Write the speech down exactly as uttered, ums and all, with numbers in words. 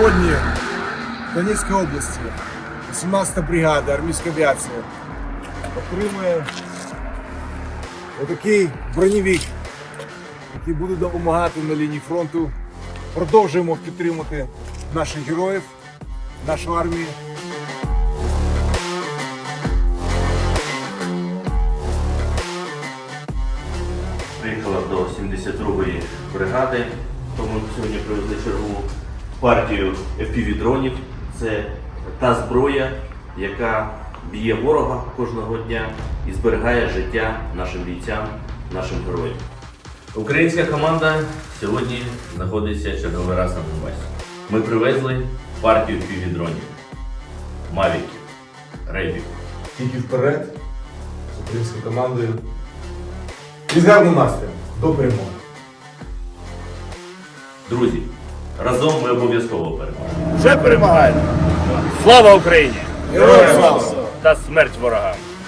Сьогодні в Донецькій області вісімнадцята бригада армійської авіації отримує отакий броневик, який буде допомагати на лінії фронту. Продовжуємо підтримувати наших героїв, нашу армію. Приїхала до сімдесят другої бригади, тому сьогодні привезли чергову партію еф пі ві-дронів. Це та зброя, яка б'є ворога кожного дня і зберігає життя нашим бійцям, нашим героям. Українська команда сьогодні знаходиться черговий раз на Донбасі. Ми привезли партію еф пі ві-дронів, мавіків, рейбів. Тільки вперед з українською командою. І з гарним настроєм. До перемоги. Друзі, разом ми обов'язково переможемо. Вже перемагаємо! Слава Україні! Героям слава! Та смерть ворогам!